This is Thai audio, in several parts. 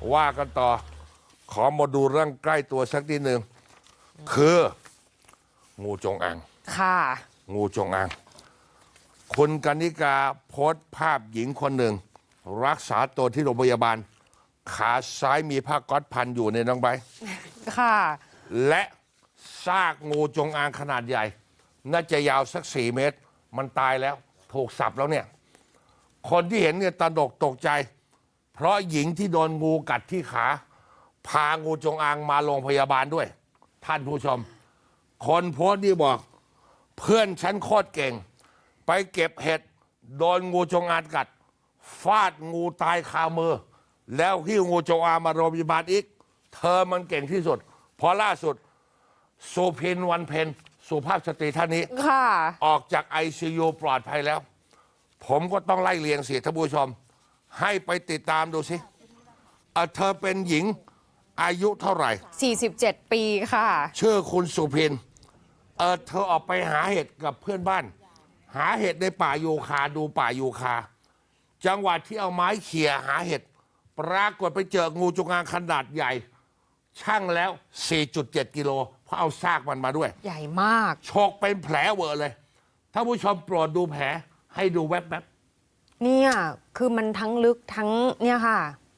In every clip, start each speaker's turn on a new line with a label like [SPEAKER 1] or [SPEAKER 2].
[SPEAKER 1] ว่ากันต่อขอมาดูเรื่องใกล้ตัวสักนิดหนึ่งคืองูจงอาง
[SPEAKER 2] ค่ะ
[SPEAKER 1] งูจงอางคุณกนิกาโพสต์ภาพหญิงคนหนึ่งรักษาตัวที่โรงพยาบาลขาซ้ายมีผ้าก๊อซพันอยู่ในน้องใบ
[SPEAKER 2] ค่ะ
[SPEAKER 1] และซากงูจงอางขนาดใหญ่น่าจะยาวสัก4 เมตรมันตายแล้วถูกสับแล้วเนี่ยคนที่เห็นเนี่ยตระหนกตกใจเพราะหญิงที่โดนงูกัดที่ขาพางูจงอางมาโรงพยาบาลด้วยท่านผู้ชมคนโพสต์นี่บอกเพื่อนฉันโคตรเก่งไปเก็บเห็ดโดนงูจงอางกัดฟาดงูตายคามือแล้วหิ้วงูจงอางมาโรงพยาบาลอีกเธอมันเก่งที่สุดพอล่าสุดสุพินวันเพ็ญสุภาพสตรีท่านนี้ออกจาก ICU ปลอดภัยแล้วผมก็ต้องไล่เรียงสิท่านผู้ชมให้ไปติดตามดูสิเธอเป็นหญิงอายุเท่าไหร่
[SPEAKER 2] 47 ปีค่ะ
[SPEAKER 1] ชื่อคุณสุพินเธอออกไปหาเห็ดกับเพื่อนบ้านหาเห็ดในป่ายูคาดูป่ายูคาจังหวัดที่เอาไม้เขี่ยหาเห็ดปรากฏไปเจองูจงอางขนาดใหญ่ช่างแล้ว 4.7 กิโลเพราะเอาซากมันมาด้วย
[SPEAKER 2] ใหญ่มาก
[SPEAKER 1] โชกเป็นแผลเวอะเลยท่านผู้ชมโปรดดูแผลให้ดูแวบ
[SPEAKER 2] ๆเนี่ยคือมันทั้งลึกทั้งเนี่ยค่ะ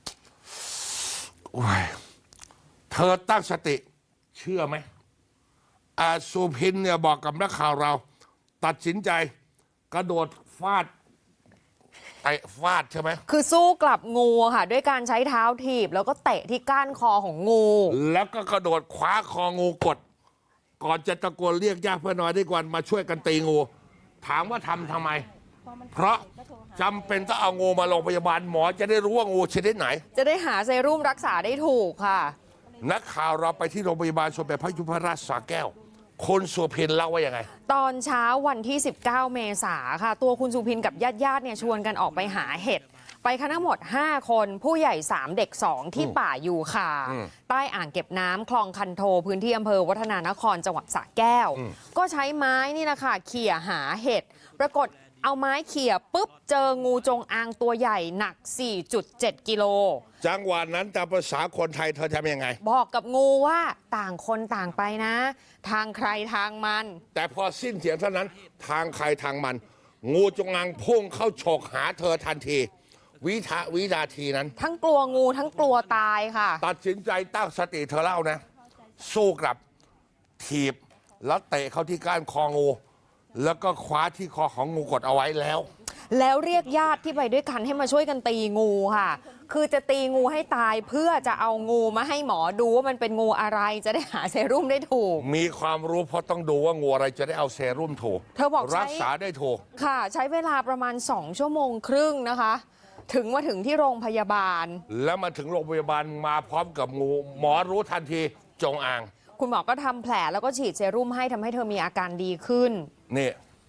[SPEAKER 1] เธอตั้งสติเชื่อไหมสุพินเนี่ยบอกกับนักข่าวเราตัดสินใจกระโดดฟาดใช่ไหม
[SPEAKER 2] คือสู้กลับงูค่ะด้วยการใช้เท้าถีบแล้วก็เตะที่ก้านคอของงู
[SPEAKER 1] แล้วก็กระโดดคว้าคองูกดก่อนจะตะโกนเรียกญาติเพื่อนน้อยด้วยกันมาช่วยกันตีงูถามว่าทำไมเพราะจำเป็นต้องเอางูมาโรงพยาบาลหมอจะได้รู้ว่างูชนิดไหน
[SPEAKER 2] จะได้หาเซรุ่มรักษาได้ถูกค่ะ
[SPEAKER 1] นักข่าวเราไปที่โรงพยาบาลสมเด็จพระยุพราชสระแก้วคุณสุพินเล่าว่ายังไง
[SPEAKER 2] ตอนเช้าวันที่19 เมษาค่ะตัวคุณสุพินกับญาติเนี่ยชวนกันออกไปหาเห็ดไปกันทั้งหมด5 คนผู้ใหญ่3เด็ก2ที่ป่ายูคาใต้อ่างเก็บน้ำคลองคันโทพื้นที่อำเภอวัฒนานครจังหวัดสระแก้วก็ใช้ไม้นี่นะคะเขี่ยหาเห็ดปรากฏเอาไม้เขี่ยปุ๊บเจองูจงอางตัวใหญ่หนัก 4.7 กิโล
[SPEAKER 1] จังหวะนั้นตามภาษาคนไทยเธอทำยังไง
[SPEAKER 2] บอกกับงูว่าต่างคนต่างไปนะทางใครทางมัน
[SPEAKER 1] แต่พอสิ้นเสียงเท่านั้นทางใครทางมันงูจงอางพุ่งเข้าฉกหาเธอทันทีวินาทีนั้น
[SPEAKER 2] ทั้งกลัวงูทั้งกลัวตายค่ะ
[SPEAKER 1] ตัดสินใจตั้งสติเธอเล่านะสู้กลับถีบแล้วเตะเข้าที่ก้านคองูแล้วก็คว้าที่คอของงูกดเอาไว้แล้ว
[SPEAKER 2] เรียกญาติที่ไปด้วยกันให้มาช่วยกันตีงูค่ะคือจะตีงูให้ตายเพื่อจะเอางูมาให้หมอดูว่ามันเป็นงูอะไรจะได้หาเซรุ่มได้ถูก
[SPEAKER 1] มีความรู้เพราะต้องดูว่างูอะไรจะได้เอาเซรุ่มถูก
[SPEAKER 2] เธอบอก
[SPEAKER 1] รักษาได้ถูก
[SPEAKER 2] ค่ะใช้เวลาประมาณ2 ชั่วโมงครึ่งนะคะมาถึงที่โรงพยาบาล
[SPEAKER 1] แล้วมาถึงโรงพยาบาลมาพร้อมกับงูหมอรู้ทันทีจงอาง
[SPEAKER 2] คุณหมอก็ทำแผลแล้วก็ฉีดเซรุ่มให้ทำให้เธอมีอาการดีขึ้น
[SPEAKER 1] นี่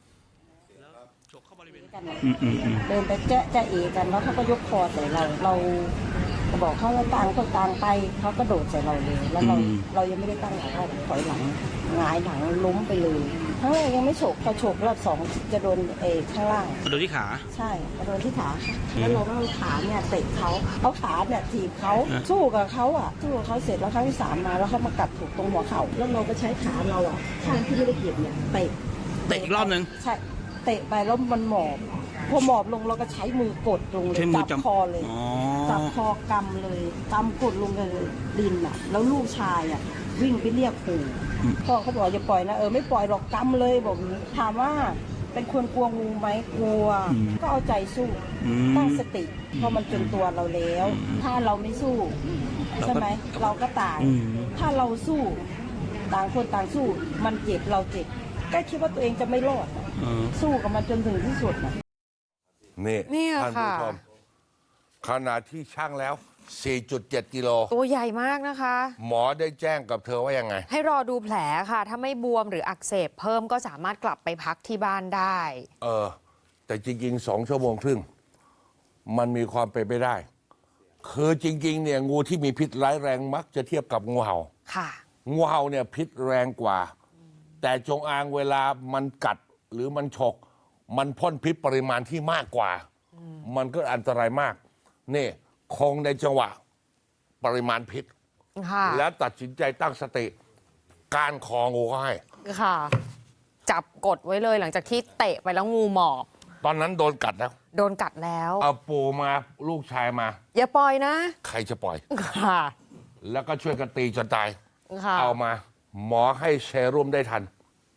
[SPEAKER 3] เดินไปจะเอกันแล้วเขาก็ยกคอใส่เราบอกเขาว่าต่างคนต่างไปเขาก็โดดใส่เราเลยแล้วเรายังไม่ได้ตั้งหลักเขาถอยหลังหงายหลังล้มไปเลยข้างแรกยังไม่ฉกพอฉกรอบ2จะโดนข้างล่าง
[SPEAKER 4] โดนที่ขา
[SPEAKER 3] ใช่โดนที่ขาแล้วเราก็เอาขาเนี่ยเตะเขาขาเนี่ยถีบเขาสู้กับเขาสู้กับเขาเสร็จแล้วครั้งที่3มาแล้วเขามากัดถูกตรงหัวเข่าแล้วเราก็ใช้ขาเราข้างที่ไม่ได้เก็บเนี่ยเตะ
[SPEAKER 4] อีกรอบนึง
[SPEAKER 3] ใช่เตะไปแล้วมันหมอบพอหมอบลงเราก็ใช้มือกดลงเลยจับคอเลยจับคอกำเลยกำกดลงเลยดินแล้วลูกชายวิ่งไปเรียกปู่พ่อเขาบอกอย่าปล่อยนะไม่ปล่อยหรอกกำเลยบอกถามว่าเป็นคนกลัวงูไหมกลัวก็เอาใจสู้ตั้งสติเพราะมันจนตัวเราแล้วถ้าเราไม่สู้ใช่ไหมเราก็ตายถ้าเราสู้ต่างคนต่างสู้มันเจ็บเราเจ็บก็คิดว่าตัวเองจะไม่รอดสู้กับมันจนถึงที่สุด
[SPEAKER 1] นี่ท่านผู้ชมขนาดที่ช่างแล้ว 4.7 กิโล
[SPEAKER 2] ตัวใหญ่มากนะคะ
[SPEAKER 1] หมอได้แจ้งกับเธอว่ายังไง
[SPEAKER 2] ให้รอดูแผลค่ะถ้าไม่บวมหรืออักเสบเพิ่มก็สามารถกลับไปพักที่บ้านได้
[SPEAKER 1] แต่จริงๆ2 ชั่วโมงครึ่งมันมีความเป็นไปได้คือจริงๆเนี่ยงูที่มีพิษร้ายแรงมักจะเทียบกับงูเห่า
[SPEAKER 2] ค่ะ
[SPEAKER 1] งูเห่าเนี่ยพิษแรงกว่าแต่จงอางเวลามันกัดหรือมันฉกมันพ่นพิษปริมาณที่มากกว่ามันก็อันตรายมากนี่คงในจังหวะปริมาณพิษ
[SPEAKER 2] ค่ะ
[SPEAKER 1] แล้วตัดสินใจตั้งสติก้านคองูเขาให้
[SPEAKER 2] ค่ะ จับกดไว้เลยหลังจากที่เตะไปแล้วงูหมอบ
[SPEAKER 1] ตอนนั้นโดนกัดแล้ว
[SPEAKER 2] โดนกัดแล้ว
[SPEAKER 1] เอาปูมาลูกชายมา
[SPEAKER 2] อย่าปล่อยนะ
[SPEAKER 1] ใครจะปล่อย
[SPEAKER 2] ค่ะ
[SPEAKER 1] แล้วก็ช่วยกันตีจนตาย
[SPEAKER 2] ค่ะ
[SPEAKER 1] เอามา หมอให้เซรุ่มได้ทัน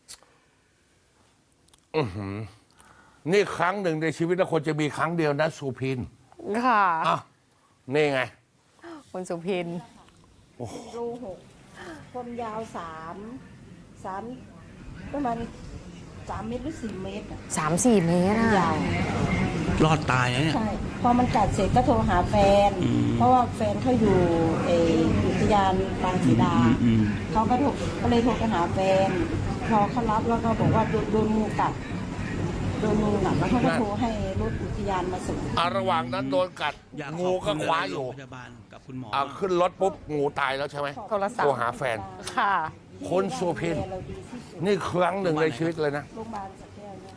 [SPEAKER 1] อื้อหือนี่ครั้งหนึ่งในชีวิตนะคนจะมีครั้งเดียวนะสุพิน
[SPEAKER 2] ค่ะ
[SPEAKER 1] อ่ะนี่ไง
[SPEAKER 2] คุณสุพิน
[SPEAKER 3] รูหกความยาวสามประมาณ3 เมตรหรือ4 เมตรอะ
[SPEAKER 2] 3-4 เมตรอะ
[SPEAKER 3] ยาว
[SPEAKER 4] รอดตายนะเนี่ย
[SPEAKER 3] ใช่ พอมันกัดเสร็จก็โทรหาแฟน เพราะว่าแฟนเขาอยู่อุทยานปางศรีดา เขาก็เลยโทรไปหาแฟน พอเขารับแล้วก็บอกว่าโดนงูกัด โดนงูกัดแล้วเขาก็โทรให้รถอุทยานมาส่ง
[SPEAKER 1] ระหว่างนั้นโดนกัด
[SPEAKER 4] อยากข
[SPEAKER 1] งู
[SPEAKER 4] อบ
[SPEAKER 1] ก็
[SPEAKER 4] ณ
[SPEAKER 1] คว้าอยู่
[SPEAKER 4] โรงพยาบาลกับคุณหมอ
[SPEAKER 1] ขึ้นรถปุ๊บงูตายแล้วใช่ไหม
[SPEAKER 2] โทรศัพท์
[SPEAKER 1] โทรหาแฟน
[SPEAKER 2] ค่ะ
[SPEAKER 1] คนสุพิน
[SPEAKER 3] เราดีที่สุด
[SPEAKER 1] นี่ครั้งหนึ่งในชีวิตเลยนะ
[SPEAKER 3] โรงพยาบาลสัต